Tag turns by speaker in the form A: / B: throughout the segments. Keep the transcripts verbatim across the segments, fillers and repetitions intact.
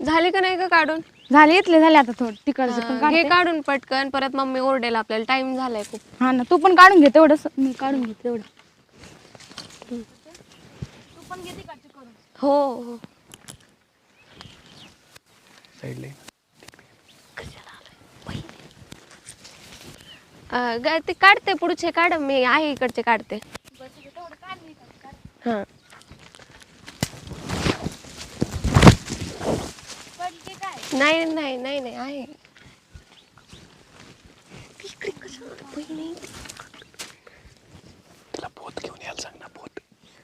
A: झाले का नाही का काढून?
B: झाले इथले झाले आता थोडं तिकडचं पण
A: हे
B: काढते.
A: काढून पटकन, परत मम्मी ओरडेल आपल्याला, टाइम झालाय खूप.
B: हा ना, तू पण काढून घे तेवढं, मी काढून घेते तेवढं. तू पण घे तिकडचं करून.
A: हो हो.
C: साईडला
A: अं, ग- ते काढते पुढचे काढ, मी आहे इकडचे काढते. हा नाही नाही नाही नाही आहे. इकडे कशाला बहिणी?
C: तिला पोत घेऊन यायला सांग ना, पोत.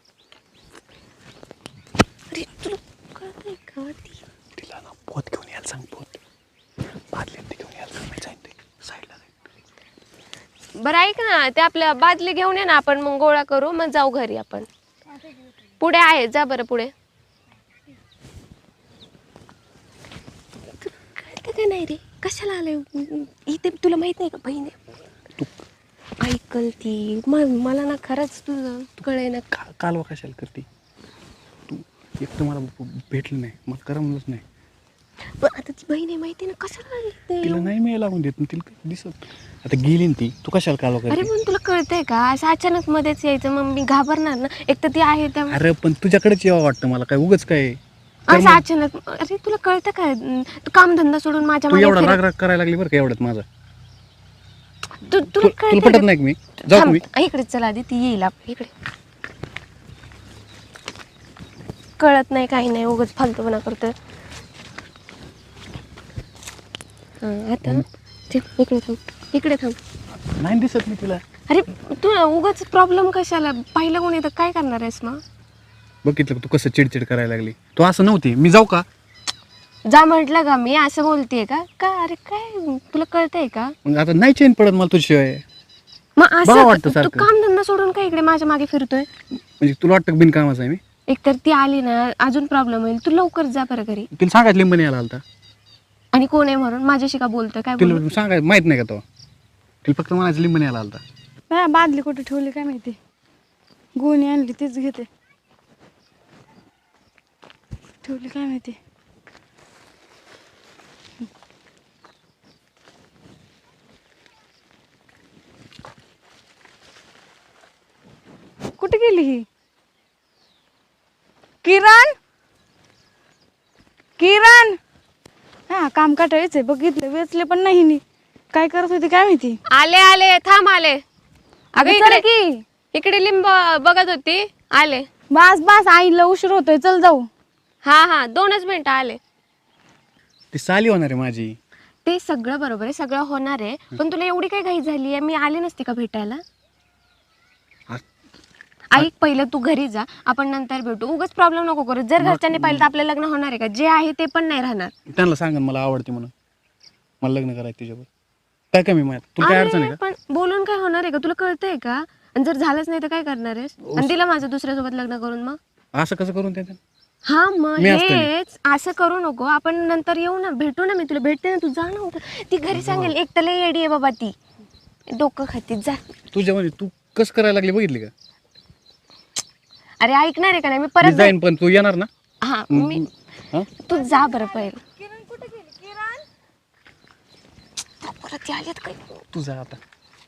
A: अरे तुला कळतंय का ती?
C: तिला ना पोत घेऊन यायला सांग, पोत. बादली ती घेऊन यायला सांग, मी जाईन ते साईडला जाईन.
A: बरं ऐक ना, ते आपल्या बादली घेऊन ये ना, आपण मग गोळा करू, मग जाऊ घरी आपण. पुढे आहे, जा बरं पुढे. कळतं का नाही रे, कशाला आलंय इथे? तुला माहित नाही का बहिणी ऐकल ती? म- मला ना खरंच तुझं कळे ना.
C: का कालवा कशाला करते तू? एक तर मला भेटलं नाही, मला करमलंच नाही.
A: पण आता ती बहिणी माहिती ना, कशाला आली ते?
C: तिला नाही मी लागून देत, तिला दिसत. आता गेली ना ती, तू कशाला कालवा
A: अरे
C: करते?
A: पण तुला कळतंय का, असं अचानक मध्येच यायचं, मग मी घाबरणार ना. एक तर ती आहे त्या
C: अरे पण तुझ्याकडेच यावं वाटतं मला, काय उगच काय?
A: असं अचानक. अरे तुला कळतं काय, तू काम धंदा सोडून माझ्या
C: तू
A: मागे
C: एवढा
A: फिरत-
C: राग राग करायला लागली बरं का एवढ्यात माझा?
A: तू तुला
C: तु- तुला
A: कळतंय
C: पटत
A: का?
C: नाही का मी जाऊ का मी?
A: थांब, इकडे चला आधी, ती येईल आप- इकडे. कळत नाही काही नाही, उगाच फालतूपणा करतोय. हा आता ते इकडे थांब, इकडे थांब.
C: नाही दिसत मी तिला.
A: अरे तू उगाच प्रॉब्लेम कशाला? पाहिलं कोणी तर काय करणार आहेस मग?
C: बघितलं का तू कसं चिडचिड करायला लागली? तू असं नव्हती, मी जाऊ का?
A: जा म्हटलं का मी, असं बोलतेय का? का अरे काय तुला कळतंय का?
C: मग आता नाही चैन पडत मला तुझ्याशिवाय.
A: मग
C: बरं
A: असं
C: वाटतं
A: तू
C: सारखं.
A: काम धंदा सोडून काय इकडे माझ्या मागे फिरतोय?
C: म्हणजे तुला वाटतं का बिनकामाचं आहे मी?
A: एकतर ती आली ना, अजून प्रॉब्लेम होईल. तू लवकर जा बरं घरी.
C: तिला सांगायचं लिंबन यायला आलता.
A: आणि कोण आहे म्हणून माझ्याशी का बोलतोय? काय बोलू?
C: तिला सांगायचं माहित नाही का तो? तिला फक्त म्हणायचं लिंबन यायला आलता.
B: हा, बादली कुठे ठेवली काय माहिती, गुणी आणली तीच घेते. ठेवली काय माहिती. कुठे गेली ही? किरण, किरण. हा, काम काटायचंय, बघितलं वेचले पण नाही नी. काय करत होती काय माहिती.
A: आले आले, थांब आले. अगं
B: अगं चल
A: इकडे
B: की.
A: इकडे लिंब बघत होती, आले.
B: बस बस, आईला उशीर होतोय, चल जाऊ.
A: हा हा, दोनच मिनिटं आले.
C: ती साली होणार आहे माझी.
A: ते सगळं बरोबर आहे, सगळं होणार आहे, पण तुला एवढी काय घाई झाली आहे? मी आले नसते का भेटायला? ऐक, पहिलं तू घरी जा, आपण नंतर भेटू. उगाच प्रॉब्लेम नको करू. जर घरच्यांनी पाहिलं तर आपलं लग्न होणार आहे का? जे आहे ते पण नाही राहणार.
C: त्यांना सांगा मला आवडते म्हणून, मला लग्न करायचं तुझ्यावर. काय कमी माझ्यात? तुला काय अडचण आहे
A: अरे,
C: का?
A: पण बोलून काय होणार आहे का? तुला कळतंय का? आणि जर झालंच नाही तर काय करणार आहेस? आणि तिला माझं दुसऱ्यासोबत लग्न करून मग?
C: असं कसं करून त्या
A: हा मग
C: मी असतो
A: हेच असं करू नको. आपण नंतर येऊ ना, भेटू ना, मी तुला भेटते ना, तू जा ना. ती घरी सांगेल एक तर लई येडी आहे बाबा ती, डोकं खाती. जा
C: तुझ्या म्हणजे तू कसं करायला लागली बघितली का?
A: अरे ऐकणार आहे का नाही? मी
C: मी
A: परत
C: जाईन पण तू येणार ना?
A: हा मी
C: हा?
A: तू जा बरं पहिलं.
B: किरण कुठे गेली? किरण,
A: परत ती आलीत काय
C: तू जा आता.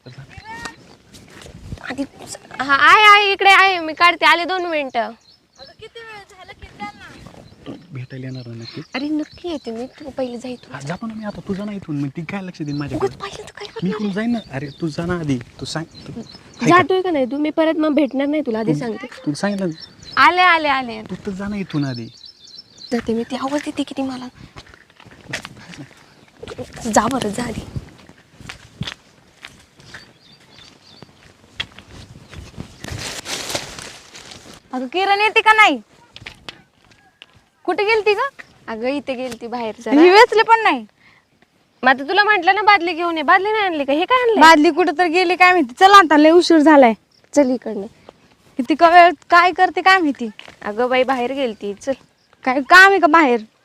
A: आधी. हा आहे आहे, इकडे आहे, मी काढते, आले दोन मिनिटं.
B: किती वेळ झाला किरण?
C: तू भेटायला येणार ना नक्की?
A: अरे नक्की येते मी, तू पहिले जा इथून.
C: हा, जातो ना मी आता. तू जा ना इथून, मग ती काय लक्ष देईन माझ्याकडे?
A: उगाच पाहिलं तर काय
C: मी
A: करणार?
C: इकडून जाईन ना. अरे तू जा ना आधी. तू सांग तू हाय का?
A: जातोय का नाही तू? मी परत मग भेटणार नाही तुला, आधी सांगते.
C: तू सांगितलं ना.
A: आले आले आले,
C: तू तर जा ना इथून आधी.
A: जाते मी. ती आवाज देते किती मला. जा बरं, जा आधी.
B: अगं किरण येते का नाही? कुठे गेलती का?
A: अगं इथे गेलती बाहेर
B: ही
A: जरा.
B: वेचले पण नाही.
A: मग आता तुला म्हटलं ना बादली घेऊन ये. बादली नाही आणली का? हे काय आणलंय?
B: बादली कुठे तर गेली काय माहिती. चला आता, लय उशीर झालाय.
A: चल इकडनं.
B: किती का वेळ काय करते काय माहिती.
A: अगं बाई बाहेर गेलती, चल.
B: काय काम आहे का बाहेर?